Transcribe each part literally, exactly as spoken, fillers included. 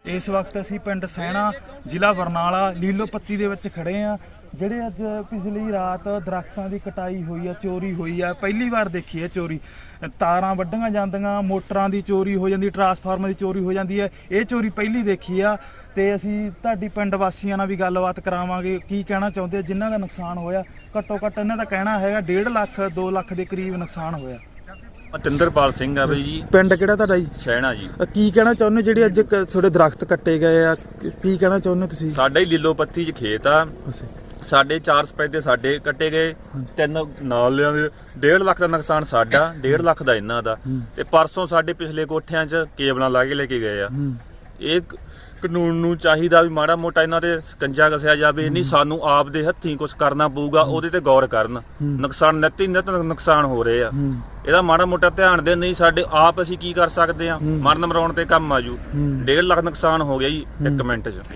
इस वक्त असी पिंड सैणा जिला बरनाला लीलो पत्ती दे विच खड़े आ। ਜਿਹੜੇ ਅੱਜ ਪਿਛਲੀ ਰਾਤ ਦਰਖਤਾਂ ਦੀ ਕਟਾਈ ਹੋਈ ਆ, ਚੋਰੀ ਹੋਈ ਆ, ਪਹਿਲੀ ਵਾਰ ਦੇਖੀ ਹੈ ਚੋਰੀ। ਤਾਰਾਂ ਵੱਢੀਆਂ ਜਾਂਦੀਆਂ, ਮੋਟਰਾਂ ਦੀ ਚੋਰੀ ਹੋ ਜਾਂਦੀ, ਟਰਾਂਸਫਾਰਮਰ ਦੀ ਚੋਰੀ ਹੋ ਜਾਂਦੀ ਹੈ। ਇਹ ਚੋਰੀ ਪਹਿਲੀ ਦੇਖੀ ਆ ਤੇ ਅਸੀਂ ਤੁਹਾਡੀ ਪਿੰਡ ਵਾਸੀਆਂ ਨਾਲ ਵੀ ਗੱਲਬਾਤ ਕਰਾਵਾਂਗੇ ਕੀ ਕਹਿਣਾ ਚਾਹੁੰਦੇ ਆ ਜਿਨ੍ਹਾਂ ਦਾ ਨੁਕਸਾਨ ਹੋਇਆ। ਘੱਟੋ ਘੱਟ ਇਹਨਾਂ ਦਾ ਕਹਿਣਾ ਹੈਗਾ ਡੇਢ ਲੱਖ ਦੋ ਲੱਖ ਦੇ ਕਰੀਬ ਨੁਕਸਾਨ ਹੋਇਆ। ਤਿੰਦਰਪਾਲ ਸਿੰਘ ਆ ਬਈ ਜੀ। ਪਿੰਡ ਕਿਹੜਾ ਤੁਹਾਡਾ ਜੀ? ਸੈਣਾ ਜੀ। ਕੀ ਕਹਿਣਾ ਚਾਹੁੰਦੇ ਜਿਹੜੇ ਅੱਜ ਤੁਹਾਡੇ ਦਰਖਤ ਕੱਟੇ ਗਏ ਆ, ਕੀ ਕਹਿਣਾ ਚਾਹੁੰਦੇ ਤੁਸੀਂ? ਸਾਡਾ ਹੀ ਲੀਲੋ ਪੱਤੀ 'ਚ ਖੇਤ ਆ, ਸਾਡੇ ਚਾਰ ਸਪੈਦੇ ਸਾਡੇ ਕੱਟੇ ਗਏ, ਤਿੰਨ ਨਾਲਿਆਂ ਦੇ ਡੇਢ ਲੱਖ ਦਾ ਨੁਕਸਾਨ ਸਾਡਾ, ਡੇਢ ਲੱਖ ਦਾ ਇਹਨਾਂ ਦਾ। ਤੇ ਪਰਸੋਂ ਸਾਡੇ ਪਿਛਲੇ ਕੋਠਿਆਂ 'ਚ ਕੇਬਲਾਂ ਲਾ ਕੇ ਲੈ ਕੇ ਗਏ ਆ। ਇਹ ਕਾਨੂੰਨ ਨੂੰ ਚਾਹੀਦਾ ਵੀ ਮਾੜਾ ਮੋਟਾ ਇਹਨਾਂ ਤੇ ਸਕੰਜਾ ਕਸਿਆ ਜਾਵੇ, ਨਹੀਂ ਸਾਨੂੰ ਆਪ ਦੇ ਹੱਥੀਂ ਕੁਝ ਕਰਨਾ ਪਊਗਾ, ਉਹਦੇ ਤੇ ਗੌਰ ਕਰਨ। ਨੁਕਸਾਨ ਨਿੱਤ ਹੀ ਨਿੱਤ ਨੁਕਸਾਨ ਹੋ ਰਹੇ ਆ, ਇਹਦਾ ਮਾੜਾ ਮੋਟਾ ਧਿਆਨ ਦੇ। ਨਹੀਂ ਸਾਡੇ ਆਪ ਅਸੀਂ ਕੀ ਕਰ ਸਕਦੇ ਆ, ਮਰਨ ਮਰਾਉਣ ਤੇ ਕੰਮ ਆਜੂ। ਡੇਢ ਲੱਖ ਨੁਕਸਾਨ ਹੋ ਗਿਆ ਜੀ ਇੱਕ ਮਿੰਟ 'ਚ।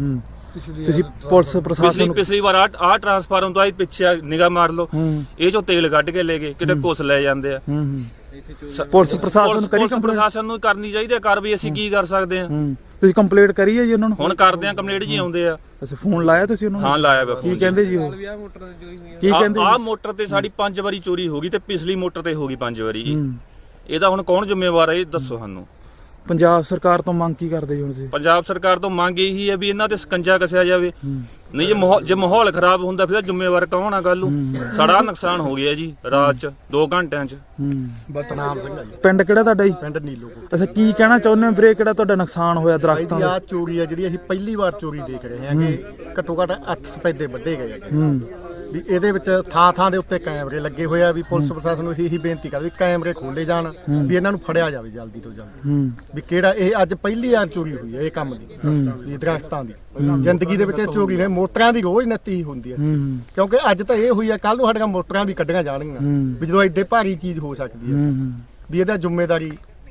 ਤੁਸੀਂ ਪੁਲਿਸ ਪ੍ਰਸ਼ਾਸਨ ਪਿਛਲੀ ਵਾਰ ਆ ਆ ਟਰਾਂਸਫਾਰਮ ਤੋਂ ਆਈ ਪਿੱਛੇ ਨਿਗਾਹ ਮਾਰ ਲਓ, ਇਹ ਚੋਂ ਤੇਲ ਕੱਢ ਕੇ ਲੈ ਗਏ, ਕਿਤੇ ਕੁਛ ਲੈ ਜਾਂਦੇ ਆ। ਪੁਲਿਸ ਪ੍ਰਸ਼ਾਸਨ ਕਰੀ ਕੰਪਲੇਂਟ? ਪ੍ਰਸ਼ਾਸਨ ਨੂੰ ਕਰਨੀ ਚਾਹੀਦੀ ਹੈ, ਕਰ ਵੀ ਅਸੀਂ ਕੀ ਕਰ ਸਕਦੇ ਆ। ਤੁਸੀਂ ਕੰਪਲੇਂਟ ਕਰੀ ਹੈ ਜੀ ਉਹਨਾਂ ਨੂੰ? ਹੁਣ ਕਰਦੇ ਆ, ਕੰਪਲੇਂਟ ਜੀ ਆਉਂਦੇ ਆ। ਅੱਛਾ, ਫੋਨ ਲਾਇਆ ਤੁਸੀਂ ਉਹਨਾਂ ਨੂੰ? ਹਾਂ ਲਾਇਆ ਵਾ। ਕੀ ਕਹਿੰਦੇ ਜੀ ਉਹ? ਕੀ ਕਹਿੰਦੇ? ਆਹ ਮੋਟਰ ਤੇ ਸਾਡੀ ਪੰਜ ਵਾਰੀ ਚੋਰੀ ਹੋ ਗਈ ਤੇ ਪਿਛਲੀ ਮੋਟਰ ਤੇ ਹੋ ਗਈ ਪੰਜ ਵਾਰੀ ਜੀ। ਇਹਦਾ ਹੁਣ ਕੌਣ ਜ਼ਿੰਮੇਵਾਰ ਹੈ ਇਹ ਦੱਸੋ ਸਾਨੂੰ। ਪੰਜਾਬ ਸਰਕਾਰ ਤੋਂ ਮੰਗ ਕੀ ਕਰਦੇ ਜੀ ਹੁਣ ਤੁਸੀਂ? ਪੰਜਾਬ ਸਰਕਾਰ ਤੋਂ ਮੰਗ ਇਹੀ ਹੈ ਵੀ ਇਹਨਾਂ ਤੇ ਸਕੰਜਾ ਕਸਿਆ ਜਾਵੇ। ਨਹੀਂ ਜੇ ਮਾਹੌਲ ਜੇ ਮਾਹੌਲ ਖਰਾਬ ਹੁੰਦਾ ਫਿਰ ਜ਼ਿੰਮੇਵਾਰ ਕੌਣ ਆ ਗੱਲ ਨੂੰ? ਸਾਡਾ ਨੁਕਸਾਨ ਹੋ ਗਿਆ ਜੀ ਰਾਤ ਚ ਦੋ ਘੰਟਿਆਂ ਚ। ਬਤਨਾਮ ਸਿੰਘ ਆ ਜੀ। ਪਿੰਡ ਕਿਹੜਾ ਤੁਹਾਡਾ ਜੀ? ਪਿੰਡ ਨੀਲੋ। ਅੱਛਾ, ਕੀ ਕਹਿਣਾ ਚਾਹੁੰਦੇ ਹੋ ਵੀਰੇ, ਕਿਹੜਾ ਤੁਹਾਡਾ ਨੁਕਸਾਨ ਹੋਇਆ ਦਰਖਤਾਂ ਦਾ? ਆ ਚੋਰੀ ਆ ਜਿਹੜੀ ਅਸੀਂ ਪਹਿਲੀ ਵਾਰ ਚੋਰੀ ਦੇਖ ਰਹੇ ਹਾਂ ਕਿ ਘੱਟੋ ਘੱਟ ਅੱਠ ਸਪੈਦੇ ਵੱਢੇ ਗਏ ਆ। ਵੀ ਇਹਦੇ ਵਿੱਚ ਥਾਂ ਥਾਂ ਦੇ ਉੱਤੇ ਕੈਮਰੇ ਲੱਗੇ ਹੋਏ ਆ। ਵੀ ਪੁਲਿਸ ਪ੍ਰਸ਼ਾਸਨ ਨੂੰ ਇਹੀ ਬੇਨਤੀ ਕਰਦੇ ਵੀ ਕੈਮਰੇ ਖੋਲੇ ਜਾਣ, ਵੀ ਇਹਨਾਂ ਨੂੰ ਫੜਿਆ ਜਾਵੇ ਜਲਦੀ ਤੋਂ ਜਲਦੀ। ਵੀ ਕਿਹੜਾ ਇਹ ਅੱਜ ਪਹਿਲੀ ਵਾਰ ਚੋਰੀ ਹੋਈ ਹੈ ਇਹ ਕੰਮ ਦੀ, ਵੀ ਦਰਖਤਾਂ ਦੀ। ਜ਼ਿੰਦਗੀ ਦੇ ਵਿੱਚ ਇਹ ਚੋਰੀ ਨੇ ਮੋਟਰਾਂ ਦੀ ਰੋਜ਼ ਨੱਤੀ ਹੁੰਦੀ ਹੈ, ਕਿਉਂਕਿ ਅੱਜ ਤਾਂ ਇਹ ਹੋਈ ਆ, ਕੱਲ ਨੂੰ ਸਾਡੀਆਂ ਮੋਟਰਾਂ ਵੀ ਕੱਢੀਆਂ ਜਾਣਗੀਆਂ। ਵੀ ਜਦੋਂ ਐਡੇ ਭਾਰੀ ਚੀਜ਼ ਹੋ ਸਕਦੀ ਹੈ, ਵੀ ਇਹਦਾ ਜ਼ਿੰਮੇਵਾਰੀ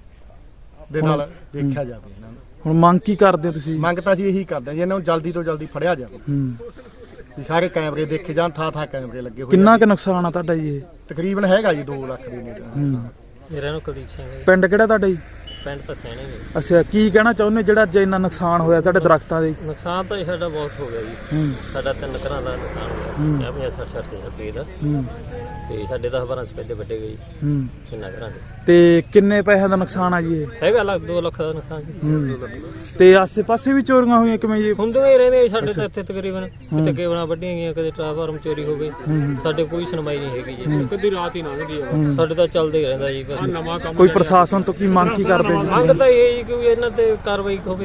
ਦੇ ਨਾਲ ਦੇਖਿਆ ਜਾਵੇ ਇਹਨਾਂ ਨੂੰ। ਹੁਣ ਮੰਗ ਕੀ ਕਰਦੇ ਹੋ ਤੁਸੀਂ? ਮੰਗ ਤਾਂ ਅਸੀਂ ਇਹੀ ਕਰਦੇ ਹਾਂ ਜੀ, ਇਹਨਾਂ ਨੂੰ ਜਲਦੀ ਤੋਂ ਜਲਦੀ ਫੜਿਆ ਜਾਵੇ। ਵੀ ਸਾਰੇ ਕੈਮਰੇ ਦੇਖੇ ਜਾਣ, ਥਾਂ ਥਾਂ ਕੈਮਰੇ ਲੱਗੇ ਹੋਏ। ਕਿੰਨਾ ਕੁ ਨੁਕਸਾਨ ਆ ਤੁਹਾਡਾ ਜੀ ਇਹ? ਤਕਰੀਬਨ ਹੈਗਾ ਜੀ ਦੋ ਲੱਖ ਦੇ ਨੇੜੇ। ਮੇਰਾ ਨਾਮ ਕੁਲਦੀਪ ਸਿੰਘ ਹੈ। ਪਿੰਡ ਕਿਹੜਾ ਤੁਹਾਡਾ ਜੀ? ਪਿੰਡ ਤਾਂ ਸੈਣੇ ਹੈ। ਅੱਛਾ, ਕੀ ਕਹਿਣਾ ਚਾਹੁੰਦੇ ਜਿਹੜਾ ਅੱਜ ਇੰਨਾ ਨੁਕਸਾਨ ਹੋਇਆ ਤੁਹਾਡੇ ਦਰਖਤਾਂ ਦੇ? ਨੁਕਸਾਨ ਤਾਂ ਸਾਡਾ ਬਹੁਤ ਹੋ ਗਿਆ ਜੀ। ਸਾਡਾ ਤਿੰਨ ਘਰਾਂ ਦਾ ਨੁਕਸਾਨ ਹੋਇਆ, ਪੰਜਾਹ ਸੱਠ ਸੱਠ ਹਜ਼ਾਰ ਰੁਪਏ ਦਾ। ਤੇ ਸਾਡੇ ਦਸ ਬਾਰਾਂ ਸਪੈਦੇ ਵੱਡੇ ਗਏ ਜੀ ਕਿੰਨਾ ਘਰਾਂ ਦੇ। ਤੇ ਕਿੰਨੇ ਪੈਸਿਆਂ ਦਾ ਨੁਕਸਾਨ ਆ ਜੀ ਇਹ? ਹੈਗਾ ਲੱਖ ਦੋ ਲੱਖ ਦਾ ਨੁਕਸਾਨ ਜੀ। ਤੇ ਆਸੇ ਪਾਸੇ ਵੀ ਚੋਰੀਆਂ ਹੋਈਆਂ ਕਿਵੇਂ ਜੀ? ਹੁੰਦੀਆਂ ਹੀ ਰਹਿੰਦੇ ਸਾਡੇ ਤਾਂ ਇੱਥੇ ਤਕਰੀਬਨ, ਕਿਤੇ ਕੇਬਲਾਂ ਵੱਢੀਆਂ ਗਈਆਂ, ਕਦੇ ਟਰਾਂਸਫਾਰਮ ਚੋਰੀ ਹੋ ਗਈ। ਸਾਡੇ ਕੋਈ ਸੁਣਵਾਈ ਨਹੀਂ ਹੈਗੀ ਜੀ, ਕਦੀ ਰਾਤ ਹੀ ਲੰਘਦੀ ਹੈ। ਸਾਡੇ ਤਾਂ ਚੱਲਦਾ ਹੀ ਰਹਿੰਦਾ ਜੀ ਬਸ। ਕੋਈ ਪ੍ਰਸ਼ਾਸਨ ਤੋਂ ਕੀ ਮੰਗ ਕੀ ਕਰਦੇ ਜੀ? ਮੰਗ ਤਾਂ ਇਹ ਜੀ ਕਿ ਇਹਨਾਂ ਤੇ ਕਾਰਵਾਈ ਹੋਵੇ,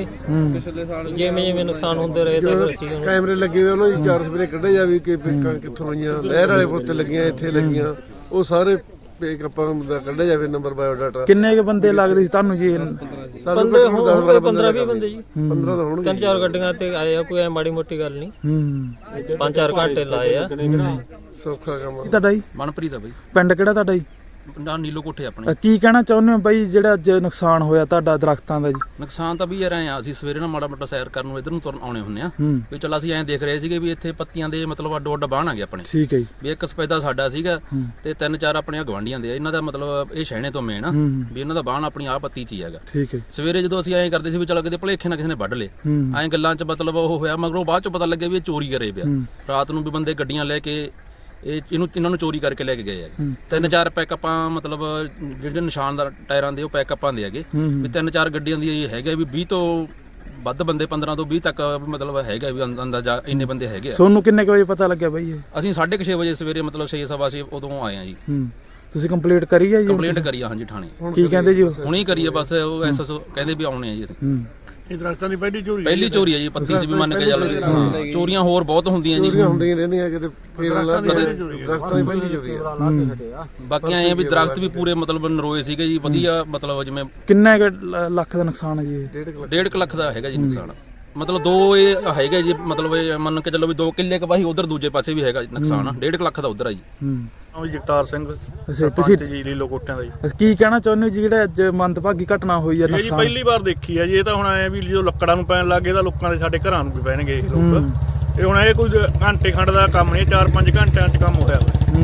ਜਿਵੇਂ ਜਿਵੇਂ ਨੁਕਸਾਨ ਹੁੰਦੇ ਰਹੇ ਤਾਂ ਅਸੀਂ ਕੈਮਰੇ ਲੱਗੇ ਹੋਏ ਉਹਨਾਂ ਦੀ ਚਾਰ ਸਪਰੇ ਕੱਢੇ ਜਾਵੇ ਕਿ ਕਿੱਥੋਂ ਆਈਆਂ, ਲਹਿਰ ਵਾਲੇ ਪੁੱਤ ਲੱਗੀਆਂ, ਇੱਥੇ ਲੱਗੀਆਂ, ਉਹ ਸਾਰੇ ਆਪਾਂ ਦਾ ਕੱਢਿਆ ਜਾਵੇ ਨੰਬਰ ਬਾਇਓਡਾਟਾ। ਕਿੰਨੇ ਕੁ ਬੰਦੇ ਲੱਗਦੇ ਸੀ ਤੁਹਾਨੂੰ ਜੀ? ਬੰਦੇ ਹੋਣਗੇ ਪੰਦਰਾਂ ਵੀਹ ਬੰਦੇ ਜੀ। ਪੰਦਰਾਂ ਤਾਂ ਹੋਣਗੇ। ਤਿੰਨ ਚਾਰ ਗੱਡੀਆਂ ਤੇ ਆਏ ਆ, ਕੋਈ ਐ ਮਾੜੀ ਮੋਟੀ ਗੱਲ ਨਹੀਂ। ਪੰਜ ਚਾਰ ਘੰਟੇ ਲਾਏ ਆ। ਸੌਖਾ ਕੰਮ ਆ। ਤੁਹਾਡਾ ਜੀ? ਮਨਪ੍ਰੀਤ ਆ ਬਈ। ਪਿੰਡ ਕਿਹੜਾ ਤੁਹਾਡਾ ਜੀ? ਨੀਲੋ ਕੋਠੇ ਆਪਣੇ। ਕੀ ਕਹਿਣਾ ਚਾਹੁੰਦੇ ਹੋ ਬਾਈ ਜਿਹੜਾ ਅੱਜ ਨੁਕਸਾਨ ਹੋਇਆ ਤੁਹਾਡਾ ਦਰਖਤਾਂ ਦਾ ਜੀ? ਨੁਕਸਾਨ ਤਾਂ ਵੀ ਯਾਰ ਐ ਆ, ਅਸੀਂ ਸਵੇਰੇ ਨਾ ਮਾੜਾ ਮੋਟਾ ਸੈਰ ਕਰਨ ਨੂੰ ਇਧਰ ਨੂੰ ਤੁਰਨ ਆਉਣੇ ਹੁੰਦੇ ਆ। ਵੀ ਚਲ ਅਸੀਂ ਐਂ ਦੇਖ ਰਹੇ ਸੀਗੇ ਵੀ ਇੱਥੇ ਪੱਤੀਆਂ ਦੇ ਮਤਲਬ ਅੱਡੋ ਅੱਡ ਬਾਣ ਆ ਗਏ ਆਪਣੇ। ਠੀਕ ਹੈ ਜੀ। ਵੀ ਇੱਕ ਸਪੈਦਾ ਸਾਡਾ ਸੀਗਾ ਤੇ ਤਿੰਨ ਚਾਰ ਆਪਣੇ ਗਵਾਂਢੀਆਂ ਦੇ ਆ। ਇਹਨਾਂ ਦਾ ਮਤਲਬ ਇਹ ਸ਼ਹਿਣੇ ਤੋਂ ਮੇਨ ਆ ਵੀ ਇਹਨਾਂ ਦਾ ਬਾਣ ਆਪਣੀ ਆ ਪੱਤੀ 'ਚ ਹੀ ਹੈਗਾ। ਠੀਕ ਹੈ। ਸਵੇਰੇ ਜਦੋਂ ਅਸੀਂ ਐਂ ਕਰਦੇ ਸੀ ਵੀ ਚਲ ਕਿਤੇ ਭਲੇਖੇ ਨਾਲ ਕਿਸੇ ਨੇ ਵੱਢ ਲਏ, ਐਂ ਗੱਲਾਂ 'ਚ ਮਤਲਬ ਉਹ ਹੋਇਆ, ਮਗਰੋਂ ਬਾਅਦ 'ਚ ਪਤਾ ਲੱਗਿਆ ਵੀ ਇਹ ਚੋਰੀ ਕਰੇ ਪਿਆ। ਰਾਤ ਨੂੰ ਵੀ ਬੰਦੇ ਗੱਡੀਆਂ ਲੈ ਕੇ ਇਹ ਇਹਨੂੰ ਇਹਨਾਂ ਨੂੰ ਚੋਰੀ ਕਰਕੇ ਲੈ ਕੇ ਗਏ ਹੈਗੇ। ਤਿੰਨ ਚਾਰ ਪੈਕਅਪਾਂ ਮਤਲਬ ਜਿਹੜੇ ਨਿਸ਼ਾਨਦਾਰ ਟਾਇਰਾਂ ਦੇ ਉਹ ਪੈਕਅਪਾਂ ਦੇ ਹੈਗੇ। ਵੀ ਤਿੰਨ ਚਾਰ ਗੱਡੀਆਂ ਦੀ ਇਹ ਹੈਗਾ ਵੀ ਵੀਹ ਤੋਂ ਵੱਧ ਬੰਦੇ, ਪੰਦਰਾਂ ਤੋਂ ਵੀਹ ਤੱਕ ਮਤਲਬ ਹੈਗਾ ਵੀ ਅੰਦਾਜ਼ਾ ਇੰਨੇ ਬੰਦੇ ਹੈਗੇ ਆ। ਤੁਹਾਨੂੰ ਕਿੰਨੇ ਕੁ ਵਜੇ ਪਤਾ ਲੱਗਿਆ ਬਾਈ ਇਹ? ਅਸੀਂ ਸਾਢੇ ਕੁ ਛੇ ਵਜੇ ਸਵੇਰੇ ਮਤਲਬ ਛੇ ਸਵਾ ਛੇ ਉਦੋਂ ਆਏ ਆ ਜੀ। ਤੁਸੀਂ ਕੰਪਲੀਟ ਕਰੀ ਹੈ ਜੀ? ਕੰਪਲੀਟ ਕਰੀ ਆ ਹਾਂਜੀ ਥਾਣੇ। ਕੀ ਕਹਿੰਦੇ ਜੀ? ਹੁਣੀ ਕਰੀਏ ਬਸ, ਉਹ ਐਸਐਸਓ ਕਹਿੰਦੇ ਵੀ ਆਉਣੇ ਆ ਜੀ ਅਸੀਂ। ਇਹ ਦਰਖਤਾਂ ਦੀ ਪਹਿਲੀ ਚੋਰੀ ਪਹਿਲੀ ਚੋਰੀ ਹੈ ਜੀ ਪੱਤੀ 'ਚ ਵੀ ਮੰਨ ਕੇ ਚੱਲ। ਹਾਂ, ਚੋਰੀਆਂ ਹੋਰ ਬਹੁਤ ਹੁੰਦੀਆਂ ਜੀ। ਚੋਰੀਆਂ ਹੁੰਦੀਆਂ ਰਹਿੰਦੀਆਂ ਕਿਤੇ, ਦਰਖਤਾਂ ਦੀ ਪਹਿਲੀ ਚੋਰੀ ਆ। ਬਾਕੀ ਐ ਵੀ ਦਰਖਤ ਵੀ ਪੂਰੇ ਮਤਲਬ ਨਰੋਏ ਸੀਗੇ ਜੀ, ਵਧੀਆ ਮਤਲਬ ਜਿਵੇਂ। ਕਿੰਨੇ ਲੱਖ ਦਾ ਨੁਕਸਾਨ ਹੈ ਜੀ ਇਹ? ਡੇਢ ਕੁ ਲੱਖ ਦਾ ਹੈਗਾ ਜੀ ਨੁਕਸਾਨ। ਮਤਲਬ ਦੋ ਇਹ ਹੈਗਾ ਜੀ, ਮਤਲਬ ਇਹ ਮੰਨ ਕੇ ਚੱਲੋ ਵੀ ਦੋ ਕਿੱਲੇ ਕਵਾਹੀ ਉਧਰ ਦੂਜੇ ਪਾਸੇ ਵੀ ਹੈਗਾ ਨੁਕਸਾਨ। ਡੇਢ ਕੁ ਲੱਖ ਦਾ ਉਧਰ ਆ ਜੀ। ਜਗਤਾਰ ਸਿੰਘ ਤੁਸੀਂ ਜੀ ਲੀਲੋ ਕੋਠਿਆਂ ਦਾ ਜੀ। ਕੀ ਕਹਿਣਾ ਚਾਹੁੰਦੇ ਹੋ ਜੀ ਜਿਹੜਾ ਅੱਜ ਮੰਦਭਾਗੀ ਘਟਨਾ ਹੋਈ ਹੈ? ਇਹ ਜੀ ਪਹਿਲੀ ਵਾਰ ਦੇਖੀ ਹੈ ਜੀ। ਇਹ ਤਾਂ ਹੁਣ ਐ ਵੀ ਜਦੋਂ ਲੱਕੜਾਂ ਨੂੰ ਪੈਣ ਲੱਗ ਗਏ ਤਾਂ ਲੋਕਾਂ ਦੇ ਸਾਡੇ ਘਰਾਂ ਨੂੰ ਵੀ ਪੈਣਗੇ ਲੋਕ। ਇਹ ਹੁਣ ਇਹ ਕੋਈ ਘੰਟੇ ਖੰਡ ਦਾ ਕੰਮ ਨਹੀਂ, ਚਾਰ ਪੰਜ ਘੰਟਿਆਂ 'ਚ ਕੰਮ ਹੋਇਆ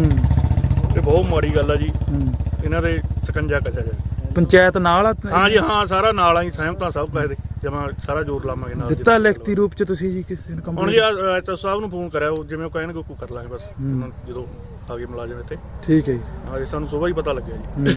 ਤੇ ਬਹੁਤ ਮਾੜੀ ਗੱਲ ਆ ਜੀ। ਇਹਨਾਂ ਦੇ ਸਕੰਜਾ ਕੱਸਿਆ ਜਾਵੇ। ਪੰਚਾਇਤ ਨਾਲ? ਹਾਂ ਜੀ ਹਾਂ, ਸਾਰਾ ਨਾਲ ਆ ਜੀ, ਸਹਿਮਤਾਂ ਸਭ ਕਹੇ ਦੇ। ਜਮਾ ਸਾਰਾ ਜ਼ੋਰ ਲਾਵਾਂਗੇ ਨਾਲ ਦਿੱਤਾ ਲਿਖਤੀ ਰੂਪ ਚ ਤੁਸੀਂ ਜੀ ਕਿਸੇ ਨੂੰ ਹੁਣ ਜੀ ਕੰਪਲੇਂਟ? ਐਸਐਸ ਸਾਹਿਬ ਨੂੰ ਫੋਨ ਕਰਿਆ, ਉਹ ਜਿਵੇਂ ਉਹ ਕਹਿਣਗੇ ਉਹ ਕਰ ਲਾਂਗੇ ਬਸ, ਉਹਨਾਂ ਨੂੰ ਜਦੋਂ ਆ ਗਏ ਮੁਲਾਜ਼ਮ ਇੱਥੇ। ਠੀਕ ਹੈ ਜੀ। ਹਾਂ ਜੀ, ਸਾਨੂੰ ਸੁਬਾਹ ਹੀ ਪਤਾ ਲੱਗਿਆ ਜੀ।